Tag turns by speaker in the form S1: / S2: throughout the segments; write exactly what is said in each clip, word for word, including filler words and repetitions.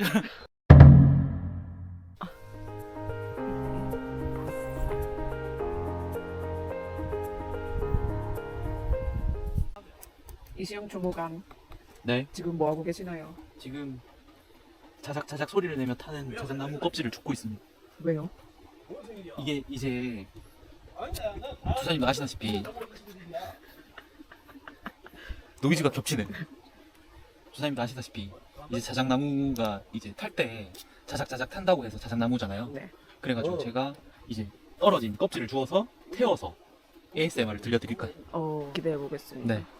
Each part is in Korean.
S1: 이시영 주무관,
S2: 네,
S1: 지금 뭐 하고 계시나요?
S2: 지금 자작자작 소리를 내며 타는 자작나무 껍질을 줍고 있습니다.
S1: 왜요?
S2: 이게 이제 조사님도 아시다시피 노이즈가 겹치네. 조사님도 아시다시피 이제 자작나무가 이제 탈 때 자작자작 탄다고 해서 자작나무잖아요.
S1: 네.
S2: 그래가지고 제가 이제 떨어진 껍질을 주워서 태워서 에이에스엠알을 들려드릴 거예요.
S1: 어, 기대해 보겠습니다.
S2: 네.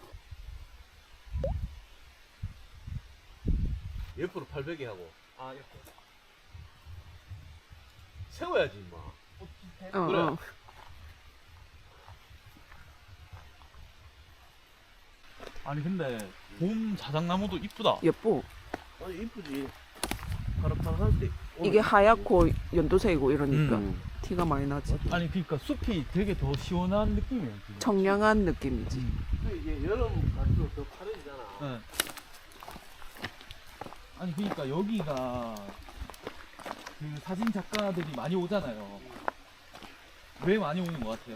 S3: 옆으로 팔베개 하고. 아, 옆으로. 세워야지, 임마.
S1: 어,
S3: 그래.
S1: 어.
S2: 아니 근데 봄 자작나무도 이쁘다.
S1: 예뻐.
S3: 아니, 이쁘지. 파릇파릇할 때.
S1: 이게 하얗고 연두색이고 이러니까
S2: 음.
S1: 티가 많이 나지.
S2: 아니 그러니까 숲이 되게 더 시원한 느낌이에요. 지금.
S1: 청량한 느낌이지.
S3: 이게 여름 갈수록 더 파래지잖아.
S2: 네. 아니 그러니까 여기가 그 사진 작가들이 많이 오잖아요. 왜 많이 오는 것 같아요?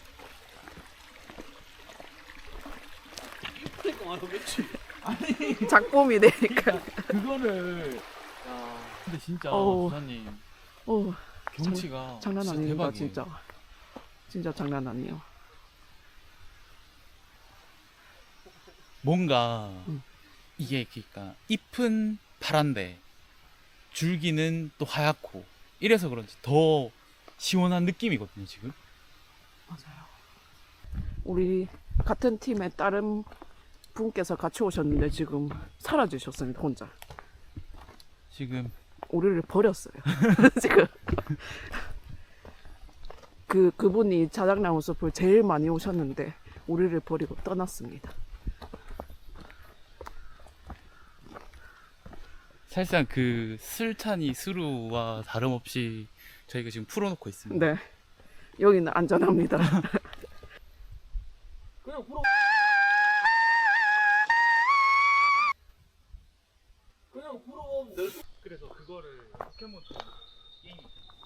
S3: 이쁘니까 많이 오겠지.
S2: 아니
S1: 작품이 되니까.
S2: 그거를
S3: 야,
S2: 근데 진짜
S1: 어우.
S2: 부사님
S1: 어,
S2: 경치가
S1: 장난
S2: 진짜
S1: 아닙니다,
S2: 대박이에요.
S1: 진짜. 진짜 장난 아니에요.
S2: 뭔가
S1: 음.
S2: 이게 그러니까 잎은 파란데 줄기는 또 하얗고 이래서 그런지 더 시원한 느낌이거든요 지금.
S1: 맞아요. 우리 같은 팀의 다른 분께서 같이 오셨는데 지금 사라지셨습니다, 혼자.
S2: 지금
S1: 우리를 버렸어요. 지금. 그, 그분이 자작나무 숲을 제일 많이 오셨는데 우리를 버리고 떠났습니다.
S2: 사실상 그 슬찬이 스루와 다름없이 저희가 지금 풀어놓고 있습니다.
S1: 네. 여기는 안전합니다.
S3: 그냥 불어. 그냥 불어보면 될 수.
S2: 그래서 그거를 포켓몬처럼 게임이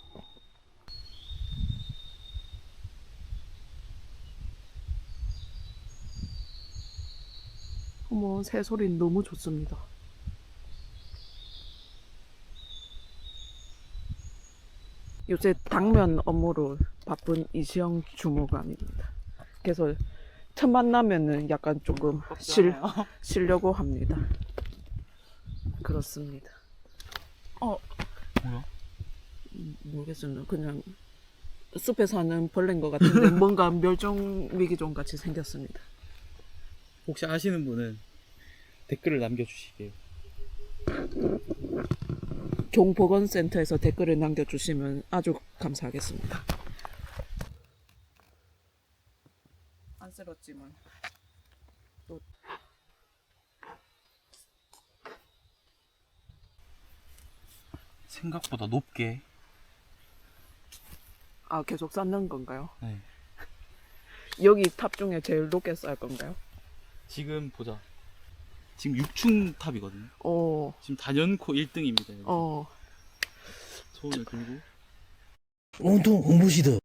S1: 어머, 새소리 너무 좋습니다. 요새 당면 업무로 바쁜 이시영 주무관입니다. 그래서 첫 만나면은 약간 조금 쉴, 쉬려고 합니다. 그렇습니다. 어,
S2: 뭐야?
S1: 음, 모르겠습니다. 그냥 숲에 사는 벌레인 것 같은데 뭔가 멸종 위기종 같이 생겼습니다.
S2: 혹시 아시는 분은 댓글을 남겨주시게요.
S1: 종보건센터에서 댓글을 남겨주시면 아주 감사하겠습니다. 안쓰럽지만 또
S2: 생각보다 높게.
S1: 아, 계속 쌓는 건가요?
S2: 네.
S1: 여기 탑 중에 제일 높게 쌓을 건가요?
S2: 지금 보자. 지금 육 층 탑이거든요.
S1: 어,
S2: 지금 단연코 일 등입니다.
S1: 어.
S2: 손을 들고.
S4: 온통 홍보시드